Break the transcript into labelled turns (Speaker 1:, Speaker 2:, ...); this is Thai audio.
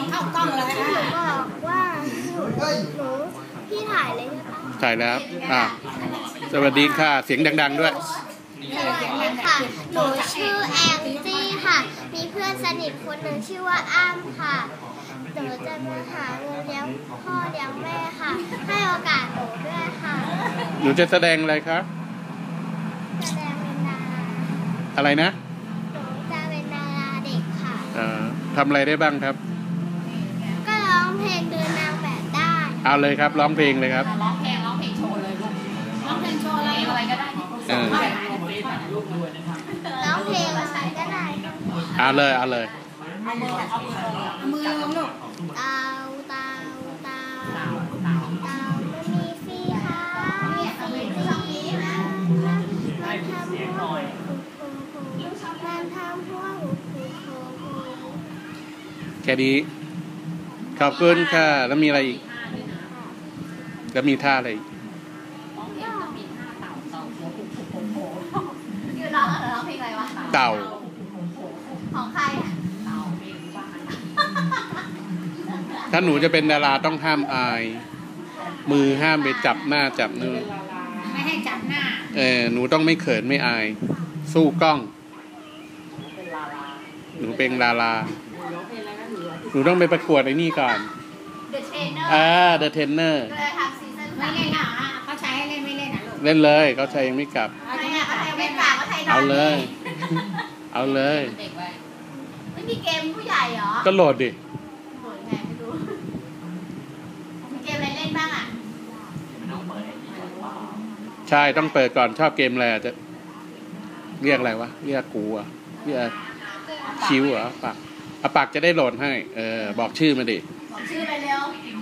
Speaker 1: เข้ากล้องเลย
Speaker 2: หนูบอกว่าหนูพี่ถ่ายเลยใช่ปะ
Speaker 3: ถ่ายแล้วสวัสดีค่ะเสียงดังๆด้วย
Speaker 2: สวัสดีค่ะหนูชื่อแองจี้ค่ะมีเพื่อนสนิทคนหนึ่งชื่อว่าอ้ำค่ะหนูจะมาหาเงินเลี้ยงพ่อเลี้ยงแม่ค่ะให้โอกาสหนูด้วยค่ะ
Speaker 3: หนูจะแสดงอะไรครับ
Speaker 2: แสดงเป็นดารา
Speaker 3: อะไรนะ
Speaker 2: หนูจะเป็นดาราเด็กค่ะ
Speaker 3: ทำอะไรได้บ้างครับ
Speaker 2: ก็ร้องเพลงเดินนางแบบได้
Speaker 3: เอาเลยครับร้องเพลงเลยครับ
Speaker 1: ร้องเพลงโชว์เลยลูกร้องเพลงโชว์อะไรก็ได้
Speaker 2: ร้องเพลงอะไรก็ได้
Speaker 3: เอาเลย
Speaker 1: เอามือลงลูก
Speaker 2: เต่ามันมีสีขามีสีสีมันทำหัว
Speaker 3: แค่นี้ขอบคุณค่ะแล้วมีอะไรอีกแล้วมีท่าอะไรอีก
Speaker 1: ร้องเพลงอะไรวะ
Speaker 3: เต่า
Speaker 1: ของใคร
Speaker 3: ถ้าหนูจะเป็นดาราต้องห้ามอายมือห้ามไปจับหน้าจับมือ
Speaker 1: ไม่ให้จับหน้า
Speaker 3: หนูต้องไม่เขินไม่อายสู้กล้องหนูเป็นดาราหนูต้องไปประกวดไอ้นี่ก่อน
Speaker 1: The Trainer
Speaker 3: The Trainer
Speaker 1: ไม่เล่นหรอเขาใช้ให้เล่นไม่เล่นนะลูก
Speaker 3: เล่นเลยเขาใช้ยังไม่กลับเอาเลย
Speaker 1: ไม่มีเกมผู้ใหญ่เหรอ
Speaker 3: ก็โหลดดิ
Speaker 1: โหลดไงไม่รู้มีเกมอะไรเล่นบ้างอ่ะ
Speaker 3: ใช่ต้องเปิดก่อนชอบเกมอะไรจะเรียกอะไรวะเรียกกูอ่ะเรียกคิวเหรอปากจะได้โหลดให้บอกชื่อมาดิ
Speaker 1: บอกชื่อไปเร็ว